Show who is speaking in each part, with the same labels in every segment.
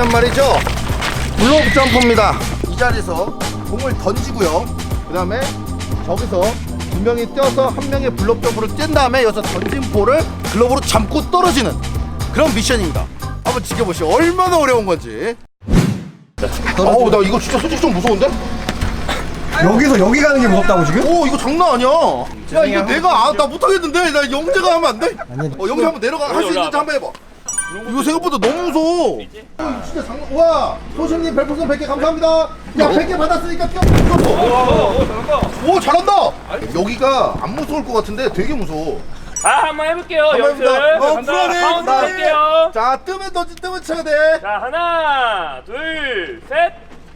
Speaker 1: 미션은 말이죠, 블록 점프입니다. 이 자리에서 공을 던지고요, 그 다음에 저기서 두 명이 뛰어서 한 명의 블록 점프를 뛴 다음에 여기서 던진 볼을 글러브로 잡고 떨어지는 그런 미션입니다. 한번 지켜보시죠. 얼마나 어려운 건지. 어우, 나 이거 진짜 솔직히 좀 무서운데?
Speaker 2: 여기서 여기 가는 게 무섭다고 지금?
Speaker 1: 오, 이거 장난 아니야. 야, 이거 내가 나 못하겠는데. 나 영재가 하면 안 돼? 영재 한번 내려가. 할 수 있는지 한번 해봐. 이거 생각보다 너무 무서워. 진짜 장난. 와, 소신님 별풍선 100개 감사합니다. 야, 100개 받았으니까 뛰어. 오, 잘한다. 여기가 안 무서울 것 같은데 되게 무서워.
Speaker 3: 한번 해볼게요. 연습.
Speaker 1: 불안해.
Speaker 3: 카운트 할게요.
Speaker 1: 자, 뜨면 던지, 뜨면 쳐야 돼.
Speaker 3: 자, 하나, 둘, 셋.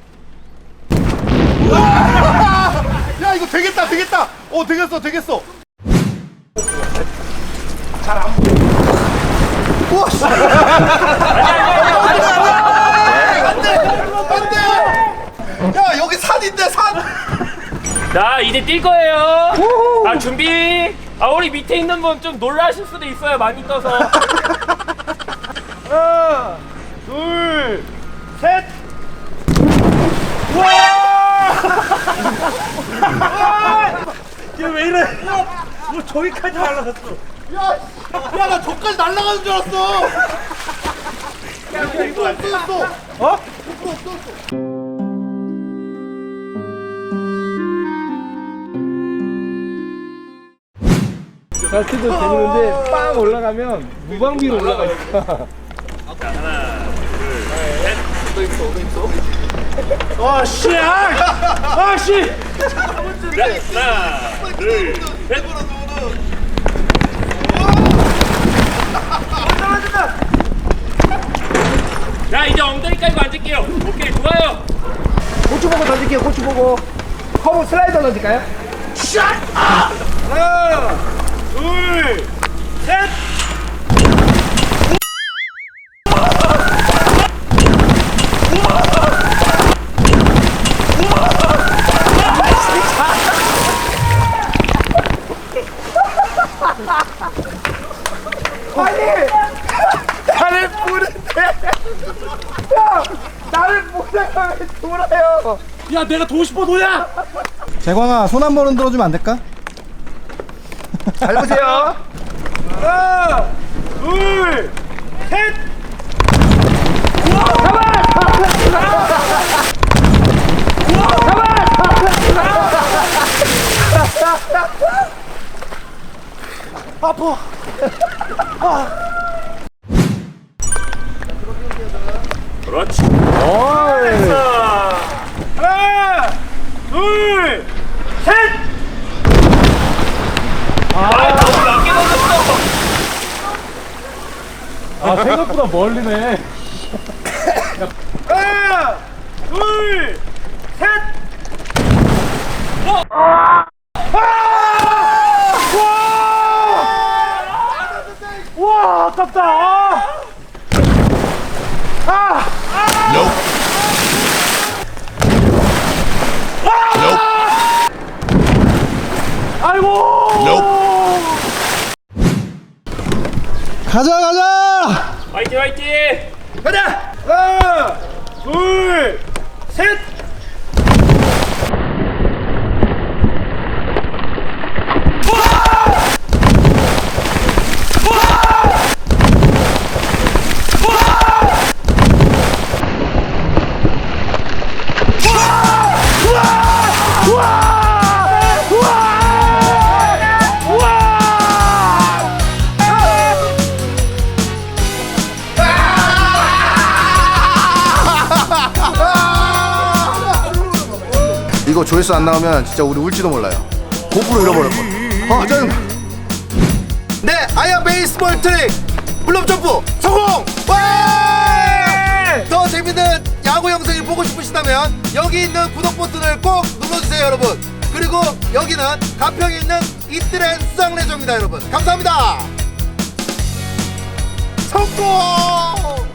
Speaker 1: 야, 이거 되겠다, 되겠다. 되겠어. 잘 안 보여. 우와, 씨. 안 돼. 야, 여기 산인데, 산.
Speaker 3: 자, 이제 뛸 거예요. 준비. 우리 밑에 있는 분 좀 놀라실 수도 있어요. 많이 떠서. 하나, 둘, 셋. 와! 얘왜 이래? 뭐 저기까지 날라갔어.
Speaker 1: 야, 나 저까지 날아가는 줄 알았어. 야, 이거 없어졌어.
Speaker 3: 어?
Speaker 4: 잘 쳐도 되는데 빵 올라가면 무방비로 올라가니까.
Speaker 3: 자, 하나, 둘, 셋.
Speaker 1: 아, 씨.
Speaker 3: 하나, 둘, 셋. 자, 이제 엉덩이 깔고 앉을게요. 오케이, 좋아요.
Speaker 4: 고추 보고 던질게요. 고추 보고. 커브 슬라이더 던질까요?
Speaker 3: 하나, 둘, 셋.
Speaker 4: 나를 보는데. 야, 나를 보다가 왜 돌아요?
Speaker 3: 야, 내가 도고 싶어, 도야.
Speaker 2: 재광아, 손 한 번은 들어주면 안 될까?
Speaker 4: 잘 보세요.
Speaker 3: 하나, 둘, 셋. 그렇지. 됐어. 하나, 둘, 셋. 너무 낮게 던졌어.
Speaker 4: 생각보다 멀리네.
Speaker 3: 하나, 둘, 셋. 와, 아깝다. 아이고.
Speaker 2: 가자!
Speaker 3: 화이팅, 화이팅. 가자. 하나, 둘, 셋.
Speaker 1: 이거 조회수 안 나오면 진짜 우리 울지도 몰라요. 고프로 잃어버릴 뻔. 짜증나. 네, 아야 베이스볼 트릭 블록 점프 성공! 와! 더 재밌는 야구 영상을 보고 싶으시다면 여기 있는 구독 버튼을 꼭 눌러주세요, 여러분. 그리고 여기는 가평에 있는 이뜰의 수상레저입니다, 여러분. 감사합니다. 성공!